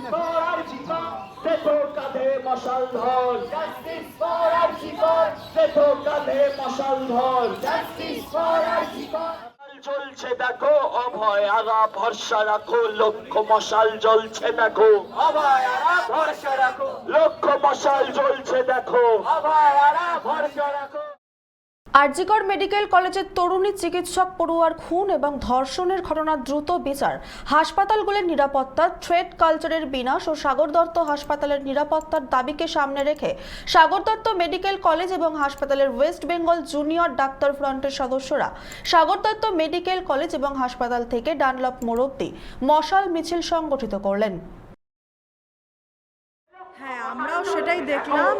চলছে দেখো অভয় আরা ভরসা রাখো লক্ষ্য মশাল জ্বলছে দেখো অভয় আরা ভরসা রাখো লক্ষ্য মশাল জ্বলছে দেখো অভয় আরা ভরসা রাখো। আরজিকর মেডিকেল কলেজের তরুণী চিকিৎসক পড়ুয়ার খুন এবং ধর্ষণের ঘটনার দ্রুত বিচার, হাসপাতালগুলির নিরাপত্তা, থ্রেড কালচারের বিনাশ ও সাগর দত্ত হাসপাতালের নিরাপত্তার দাবিকে সামনে রেখে সাগর দত্ত মেডিকেল কলেজ এবং হাসপাতালের ওয়েস্ট বেঙ্গল জুনিয়র ডাক্তার ফ্রন্টের সদস্যরা সাগর দত্ত মেডিকেল কলেজ এবং হাসপাতাল থেকে ডানলপ মোড় অবধি মশাল মিছিল সংগঠিত করলেন। হ্যাঁ, আমরাও সেটাই দেখলাম।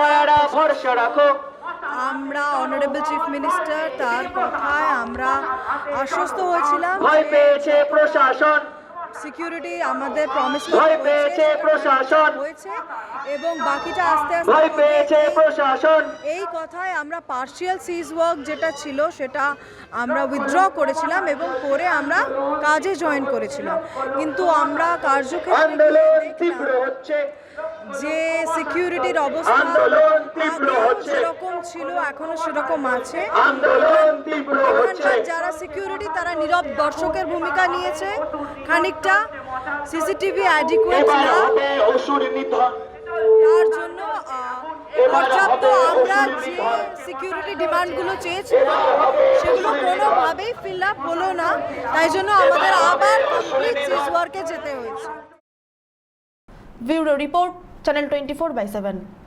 আমরা অনারেবল চিফ মিনিস্টার তার কথায় আমরা আশ্বস্ত হয়েছিলাম। ভয় পেয়েছে প্রশাসন, সিকিউরিটি আমাদের প্রমিস পেয়েছে প্রশাসন হয়েছে এবং বাকিটা আস্তে ভয় আস্তে পেয়েছে প্রশাসন। এই কথায় আমরা পার্শিয়াল সিজ ওয়ার্ক যেটা ছিল সেটা আমরা উইথড্র করেছিলাম এবং পরে আমরা কাজে জয়েন করেছিলাম। কিন্তু আমরা কার্যক্ষেত্রে তীব্র হচ্ছে, যে সিকিউরিটির অবস্থা যেরকম ছিল এখনো সেরকম আছে। এখানকার যারা সিকিউরিটি তারা নীরব দর্শকের ভূমিকা নিয়েছে, খানিকটা সিসিটিভি অ্যাডিকুয়েট না, তার জন্য পর্যাপ্ত আমরা যে সিকিউরিটি ডিমান্ডগুলো চেয়েছিলাম সেগুলো কোনোভাবেই ফিল আপ হলো না, তাই জন্য আমাদের আবার কমপ্লিট সিজ ওয়ার্কে যেতে হয়েছে। Bureau report, channel 24/7।